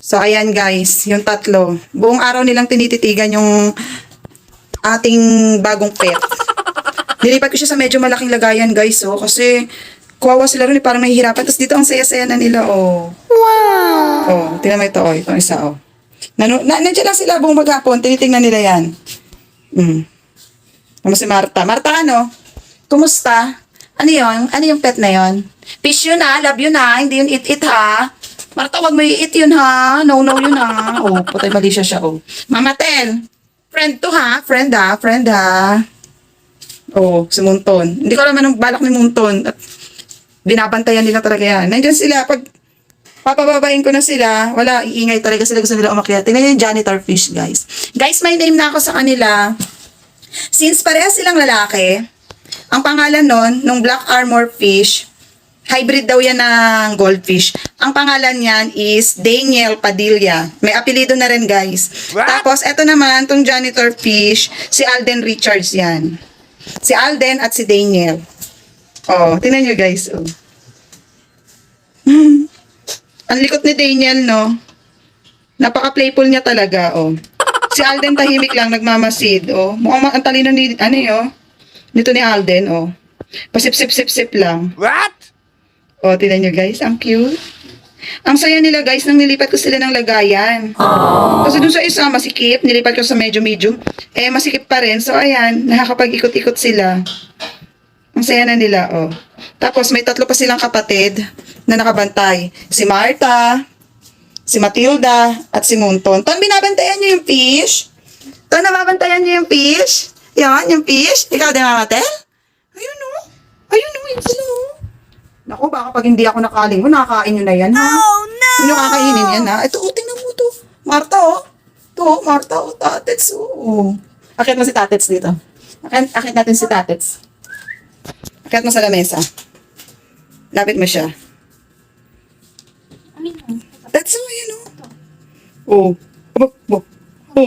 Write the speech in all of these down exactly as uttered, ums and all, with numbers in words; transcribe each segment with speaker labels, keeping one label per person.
Speaker 1: So, ayan guys, yung tatlo. Buong araw nilang tinititigan yung ating bagong pet. Nilipat ko siya sa medyo malaking lagayan guys, oh. Kasi, kuwawa sila rin, eh, parang nahihirapan. Tapos dito ang saya-saya na nila, oh. Wow! Oh, tingnan mo ito, oh. Itong isa, oh. Nano, na, nandiyan lang sila buong maghapon. Tinitingnan nila yan. Hmm. Ano si Marta? Marta, ano? Kumusta? Ano yun? Ano yung pet na yun? Fish yun ha? Love yun ha? Hindi yun it-it ha? Marta, wag mo i-it yun ha? No-no yun ha? Oh, patay mali siya siya, oh. Mama Tel, friend to ha? Friend ha? Friend ha? Oh, si Munton. Hindi ko alam anong balak ni Munton. At binabantayan nila talaga yan. Nandiyan sila. Pag papababain ko na sila, wala, iingay talaga sila. Gusto nila umakyat. Tingnan yung janitor fish, guys. Guys, may name na ako sa kanila. Since parehas silang lalaki, ang pangalan nun, nung black armor fish, hybrid daw yan ng goldfish. Ang pangalan niyan is Daniel Padilla. May apelido na rin, guys.
Speaker 2: What?
Speaker 1: Tapos, eto naman, tong janitor fish, si Alden Richards yan. Si Alden at si Daniel. Oh, tingnan nyo, guys. Oh. Hmm. Ang likot ni Daniel, no? Napaka-playful niya talaga, oh. Si Alden tahimik lang, nagmamasid, oh. Mukhang ang talino ni, ano yun, oh. Dito ni Alden, oh. Pasip-sip-sip-sip lang.
Speaker 2: What?
Speaker 1: Oh, tingnan nyo, guys. Ang cute. Ang saya nila, guys, nang nilipat ko sila ng lagayan. Aww. Kasi dun sa isa, masikip. Nilipat ko sa medyo medium. Eh, masikip pa rin. So, ayan, nakakapag-ikot-ikot sila. Ang saya na nila, oh. Tapos, may tatlo pa silang kapatid na nakabantay. Si Marta, si Matilda, at si Munton. Ton, binabantayan niyo yung fish? Ton, nababantayan niyo yung fish? Yan, yung fish? Ikaw din, Mama Tel? Ayun, oh. Ayun, oh. Yun sila, oh. Naku, baka pag hindi ako nakaling mo, nakakain nyo na yan, ha? Oh, no! Hindi nyo kakainin yan, ha? Ito, oh, tingnan mo ito. Marta, oh. Ito, oh, Marta, oh, Tatets, oh. Akit mo si Tatets dito. Akit, akit natin si Tatets. Akit mo sa lamesa. Lapit mo siya. That's all, yun, oh. Oh. Oh, oh. Oh.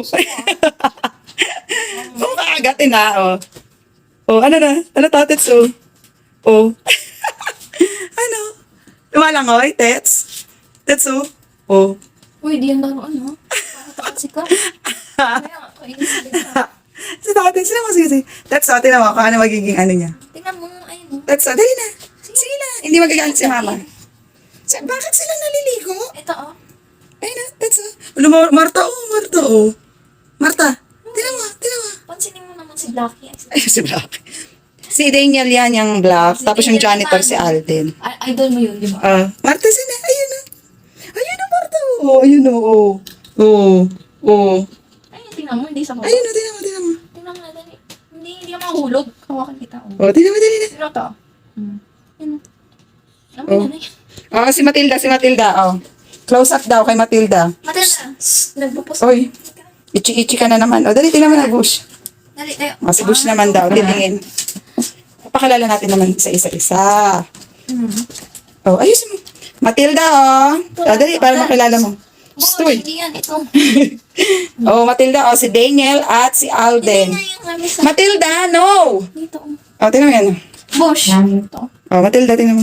Speaker 1: Oh, kakagatin, ha, oh. Oh, ano na? Ano, Tatets, oh. Oh. Ano? Lumalangoy, Tets? Tets, oh. Oh.
Speaker 3: Uy, di yan laruan, ha? Para takot ka. Kaya nga, kainis sila.
Speaker 1: Si Tatets, sila mo, sige, sige. Tets, oh, tinan mo, kung ano magiging ano niya.
Speaker 3: Tingnan mo, ayun, oh.
Speaker 1: Tets, oh, dali na. Sige na. Hindi magagalit si Mama. Sa, bakit sila naliligo?
Speaker 3: Ito, oh.
Speaker 1: Ayun na, Tets, oh. Ano, Mar- Marta, oh, Marta, oh. Marta, tinan mo, tinan mo.
Speaker 3: Pansinin mo naman si Blackie.
Speaker 1: Ay, si Black. Si Daniel yan, yung Black. Tapos yung janitor, si Alden.
Speaker 3: I- idol mo yun, di ba?
Speaker 1: Ah, Marta, sina? Ayun na. Ayun na, Marta. Oh, ayun na, oh. Oh, oh.
Speaker 3: Ayun, tingnan mo, hindi sa
Speaker 1: Ayun na, tinan mo, tinan mo.
Speaker 3: Tingnan mo na, dali. Hindi, hindi ka mahulog. Hawakan kita, oh.
Speaker 1: Oh, tinan mo, tinan mo.
Speaker 3: Sino to? Hmm. Yan, oh. Alam mo
Speaker 1: Oh.
Speaker 3: yan, eh.
Speaker 1: Oh, si Matilda, si Matilda, oh. Close up daw kay Matilda.
Speaker 3: Matilda, nagpupus.
Speaker 1: Oy, ichi-ichi ka na naman. Oh, dali, tingnan mo na, Bush.
Speaker 3: Dali, tayo.
Speaker 1: Oh, si Bush naman daw, titingin. Pakilala natin naman isa-isa.
Speaker 3: Hmm.
Speaker 1: Oh, ayos mo. Matilda, oh. Oh, dali, para makilala mo.
Speaker 3: Boss,
Speaker 1: Stoy.
Speaker 3: hindi yan, ito.
Speaker 1: Oh, Matilda, oh, si Daniel at si
Speaker 3: Hindi
Speaker 1: Alden.
Speaker 3: nga yung lamisa.
Speaker 1: Matilda, no!
Speaker 3: Dito, oh.
Speaker 1: Oh, tingnan mo yan.
Speaker 3: Bosh. Ito.
Speaker 1: Oh, Matilda, tingnan mo.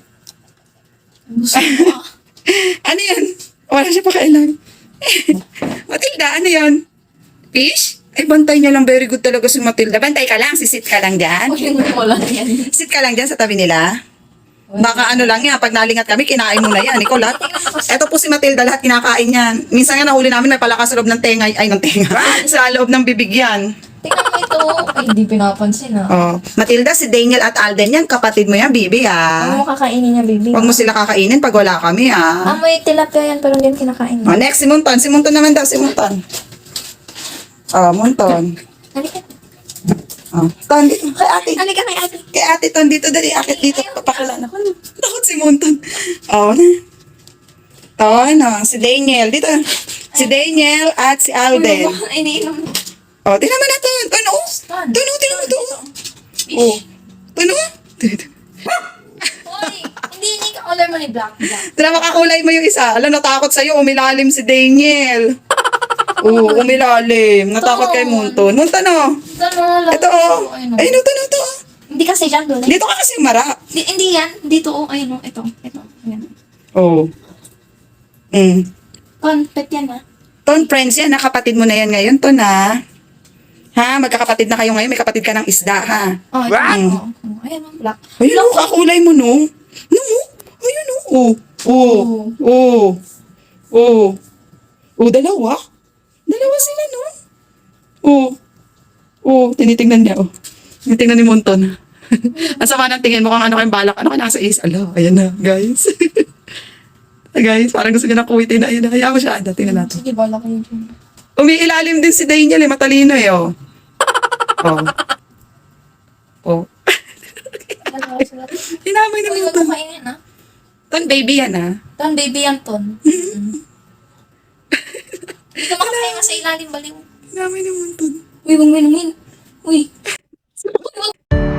Speaker 3: Gusto mo, ah.
Speaker 1: Ano yan? Wala siya pa kailan. Matilda, ano yan? Fish? Ay, bantay niya lang. Very good talaga si Matilda. Bantay ka lang. Sisit ka lang dyan.
Speaker 3: O, yun mo lang yan.
Speaker 1: Sit ka lang dyan sa tabi nila. Baka ano lang yan. Pag nalingat kami, kinain mo na yan. Ikaw lahat. Eto po si Matilda, lahat kinakain yan. Minsan nga nahuli namin, may palakas sa loob ng tenga. Ay, ng tenga. Sa loob ng bibig yan.
Speaker 3: Tingnan mo ito. Ay, hindi pinapansin, ah.
Speaker 1: Oh. Matilda, si Daniel at Alden yan. Kapatid mo yan, bibi,
Speaker 3: Ano
Speaker 1: ah.
Speaker 3: mo kakainin niya, baby?
Speaker 1: Huwag mo sila kakainin pag wala kami, ah.
Speaker 3: Amoy tilapia yan, pero hindi yan kinakain.
Speaker 1: Oh, next, si Munton. Si Munton naman daw, si Munton. Oh, Munton.
Speaker 3: Halika.
Speaker 1: Oh, Ton, dito. Kay ate.
Speaker 3: Halika kay ate.
Speaker 1: Kay ate, Ton, dito. Dali, akit dito. Papakilala ko. Takot si Munton. Oh, na. Ton, oh, si Daniel. Dito. Si Daniel at si Alden.
Speaker 3: Ay, iniinom.
Speaker 1: Oh, tingnan mo na, Ton. Ton, oh.
Speaker 3: Ton.
Speaker 1: Ton, oh, tingnan mo to.
Speaker 3: Fish.
Speaker 1: Oh. Ton, oh. Dito.
Speaker 3: Hoy, hindi hindi ka color mo ni Black. Black.
Speaker 1: Tingnan, makakulay mo yung isa. Alam, natakot sa'yo. Umilalim si Daniel. Oh, umilalim. Natakot kay Munton. Munton, oh.
Speaker 3: Ito, no,
Speaker 1: Ito, oh.
Speaker 3: Ayun,
Speaker 1: Ayun, oh, Ton, oh, to.
Speaker 3: Hindi kasi dyan doon.
Speaker 1: Dito ka kasi marap.
Speaker 3: Di, hindi yan. Dito, oh. Ayun, oh. Ito. Ito. Ayan.
Speaker 1: Oh. Mm.
Speaker 3: Content yan ah.
Speaker 1: Ton, friends yan, ha? Kapatid mo na yan ngayon, Ton, ha? Ha? Magkakapatid na kayo ngayon, may kapatid ka ng isda, ha?
Speaker 3: Oh, ito.
Speaker 1: Wow.
Speaker 3: Oh, oh, ayan ang black.
Speaker 1: Ayun, oh, kakulay mo, no? No? Ayun, oh. Oh. Oh. Oh. Oh. Oh, dalawa? Dalawa sila, no? Oh. Oh, tinitingnan niya, oh. Tinitingnan ni Monton. Ang sama ng tingin mo kung ano kayong balak. Ano ka nasa is? Ala, ayan na, guys. Guys, parang gusto niya na kuwitin na. Ayun na, hayaan mo siya. Ada, tingnan natin.
Speaker 3: Sige, bala kayo dyan.
Speaker 1: Umiilalim din si Daniel, eh. Matalino, eh, oh. Oh. Oh.
Speaker 3: Dalawa sila.
Speaker 1: Hinamay na
Speaker 3: Uy, huwag
Speaker 1: Monton.
Speaker 3: mo kainin ah.
Speaker 1: Ton, baby yan, ha?
Speaker 3: Ton, baby yan, Ton. Hindi ka makakain nga sa ilalim, baliw.
Speaker 1: Hinamay na Monton.
Speaker 3: Uy, huwag mo inumin. Uy. Uy, wag.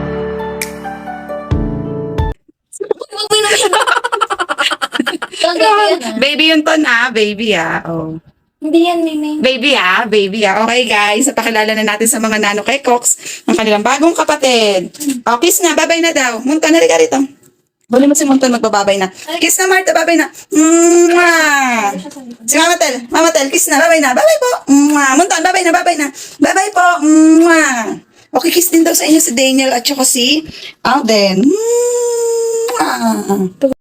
Speaker 3: Uy, wag mo inumin. Ton, baby yan ah.
Speaker 1: Baby yun, Ton, ha? Baby, ha? Oh.
Speaker 3: Hindi yan, Mimay.
Speaker 1: Baby, ha? Baby, ha? Okay, guys. Napakilala na natin sa mga nano kay Cox ang kanilang bagong kapatid. Oh, kiss na. Babay na daw. Monton, halika rito. Bali mo si Monton magbababay na. Kiss na, Marta. Babay na. Mwah! Si Mama Tel. Mama Tel, kiss na. Babay na. Babay po. Mwah! Monton, babay na. Babay na. Babay po. Mwah! Okay, kiss din daw sa inyo si Daniel at saka si Alden. Mwah!